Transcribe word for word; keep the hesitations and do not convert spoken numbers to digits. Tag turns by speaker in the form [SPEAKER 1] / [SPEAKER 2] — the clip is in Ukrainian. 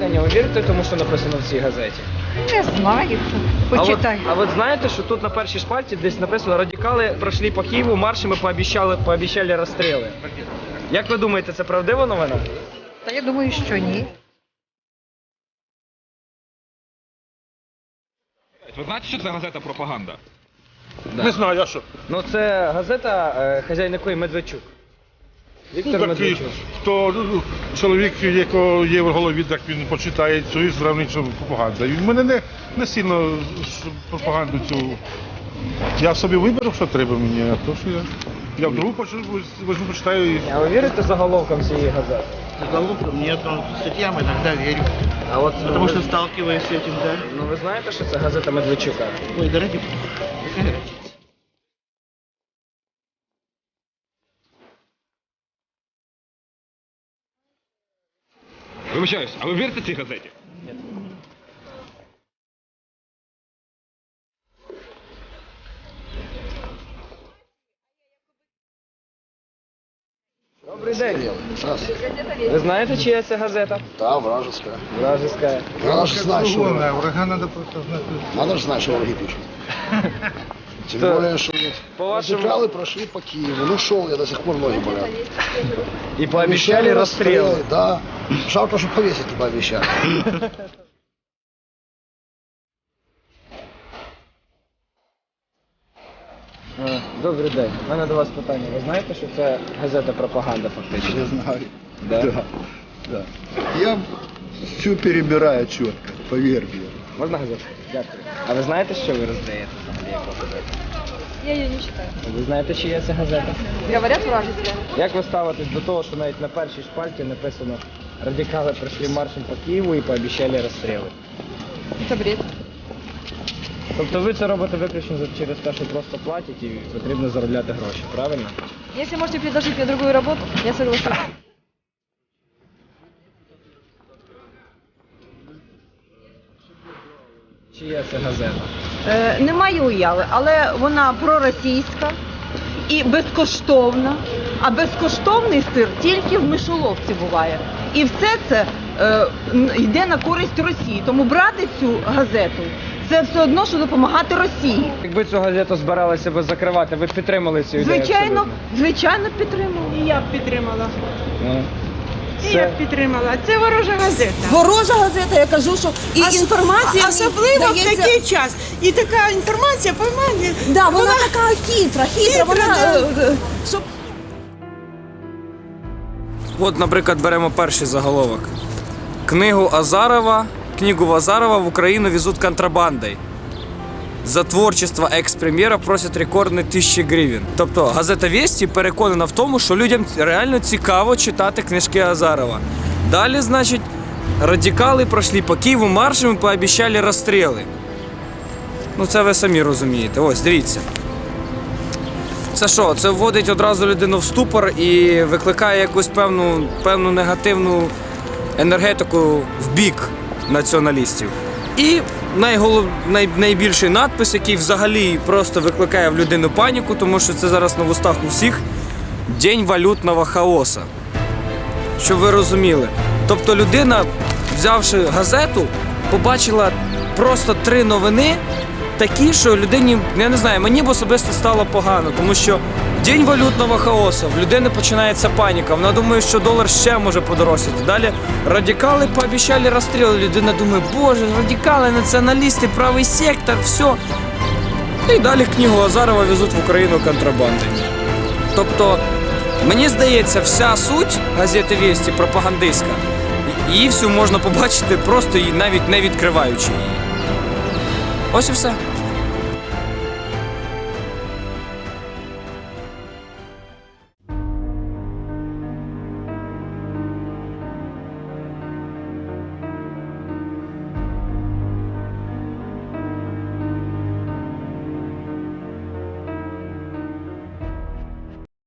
[SPEAKER 1] Женя, ви вірите тому, що написано в цій газеті?
[SPEAKER 2] Не знаю. Почитай.
[SPEAKER 1] А от, а от знаєте, що тут на першій шпальті десь написано «Радикали пройшли по Києву маршем і пообіцяли, пообіцяли розстріли». Як ви думаєте, це правдива новина?
[SPEAKER 2] Та я думаю, що ні.
[SPEAKER 3] Ви знаєте, що це газета пропаганда?
[SPEAKER 1] Да.
[SPEAKER 4] Не знаю, а що?
[SPEAKER 1] Ну це газета, е, хазяїн якої Медведчук. Віктор
[SPEAKER 4] Ну, такий,
[SPEAKER 1] Медведчук.
[SPEAKER 4] хто ну, чоловік, якого є в голові, так він почитає цю і зравнить, що пропаганда. І в мене не, не сильно пропаганду цю. Я собі виберу, що треба мені, а то що я. Я вдруг возьму, почитаю і.
[SPEAKER 1] А ви вірите заголовкам цієї газети?
[SPEAKER 5] Заголовком нет, но статьям иногда верю.
[SPEAKER 1] А от,
[SPEAKER 5] Потому
[SPEAKER 1] ви,
[SPEAKER 5] что сталкиваюсь с этим, да.
[SPEAKER 1] ну ви знаєте, що це газета Медведчука?
[SPEAKER 5] Ой, да ради бога. Какая разница?
[SPEAKER 3] Вибачаюсь, а ви вірите цій газеті?
[SPEAKER 1] Добрий день. Ви знаєте, чия це газета?
[SPEAKER 6] Да, вражеская.
[SPEAKER 1] Вражеская.
[SPEAKER 6] Надо же знать, что враги.
[SPEAKER 4] Врага треба просто знати.
[SPEAKER 6] Надо же знать, что враги пишут. Тем
[SPEAKER 1] Что?
[SPEAKER 6] более, что
[SPEAKER 1] По вашему-
[SPEAKER 6] радикалы прошли по Киеву. Ну, шел я, до сих пор ноги болят.
[SPEAKER 1] І пообіцяли розстріли.
[SPEAKER 6] Да. Жалко, что повесить не пообещали.
[SPEAKER 1] Е, Добрий день. У мене до вас питання. Ви знаєте, що це газета пропаганда фактично?
[SPEAKER 7] Я знаю.
[SPEAKER 1] Да?
[SPEAKER 7] Да, да. Я все перебираю четко, поверь мне.
[SPEAKER 1] Можна газету? Дякую. А ви знаєте, що ви роздаєте взагалі яку газету?
[SPEAKER 2] Я її не читаю.
[SPEAKER 1] Ви знаєте, чия це газета?
[SPEAKER 2] Говорять вражеська.
[SPEAKER 1] Як ви ставитесь до того, що навіть на першій шпальті написано «Радикали пройшли маршем по Києву і пообіцяли розстріли»?
[SPEAKER 2] Це бред.
[SPEAKER 1] Тобто ви це робите виключно за- через те, що просто платять і потрібно заробляти гроші, правильно?
[SPEAKER 2] Если можете предложить мне другую работу, я соглашусь.
[SPEAKER 1] Чия це газета?
[SPEAKER 8] Е, Немає уяви, але вона проросійська і безкоштовна. А безкоштовний сир тільки в мишоловці буває. І все це е, н- йде на користь Росії. Тому брати цю газету це все одно, що допомагати Росії.
[SPEAKER 1] Якби цю газету збиралися би закривати, ви б підтримали цю ідею?
[SPEAKER 8] Звичайно,
[SPEAKER 1] абсолютно?
[SPEAKER 8] звичайно, підтримували.
[SPEAKER 9] І я б підтримала.
[SPEAKER 1] Ну,
[SPEAKER 9] І
[SPEAKER 1] це-
[SPEAKER 9] я б підтримала. Це ворожа газета.
[SPEAKER 8] Ворожа газета, я кажу, що і
[SPEAKER 9] Ос-
[SPEAKER 8] інформація в ній
[SPEAKER 9] особливо в
[SPEAKER 8] дається-
[SPEAKER 9] такий час. І така інформація, поймає.
[SPEAKER 8] Да, вона, така хитра, хитра,
[SPEAKER 9] Хитра,
[SPEAKER 8] вона
[SPEAKER 9] да.
[SPEAKER 8] е, е, щоб
[SPEAKER 1] От, наприклад, беремо перший заголовок. Книгу Азарова, книгу Азарова в Україну везуть контрабандою. За творчество екс-прем'єра просять рекордні тисячі гривень. Тобто газета «Вєсті» переконана в тому, що людям реально цікаво читати книжки Азарова. Далі, значить, радикали пройшли по Києву маршем і пообіцяли розстріли. Ну це ви самі розумієте. Ось, дивіться. Це що? Це вводить одразу людину в ступор і викликає якусь певну, певну негативну енергетику в бік націоналістів. І найголов... най... найбільший надпис, який взагалі просто викликає в людину паніку, тому що це зараз на вустах у всіх – День валютного хаоса. Щоб ви розуміли. Тобто людина, взявши газету, побачила просто три новини, такі, що людині, я не знаю, мені б особисто стало погано, тому що День валютного хаосу, в людини починається паніка, вона думає, що долар ще може подорожчати. Далі радикали пообіцяли розстріли, людина думає, боже, радикали, націоналісти, правий сектор, все. І далі книгу Азарова везуть в Україну контрабандою. Тобто, мені здається, вся суть газети «Вєсті» пропагандистська. Її всю можна побачити просто і навіть не відкриваючи її. Ось і все.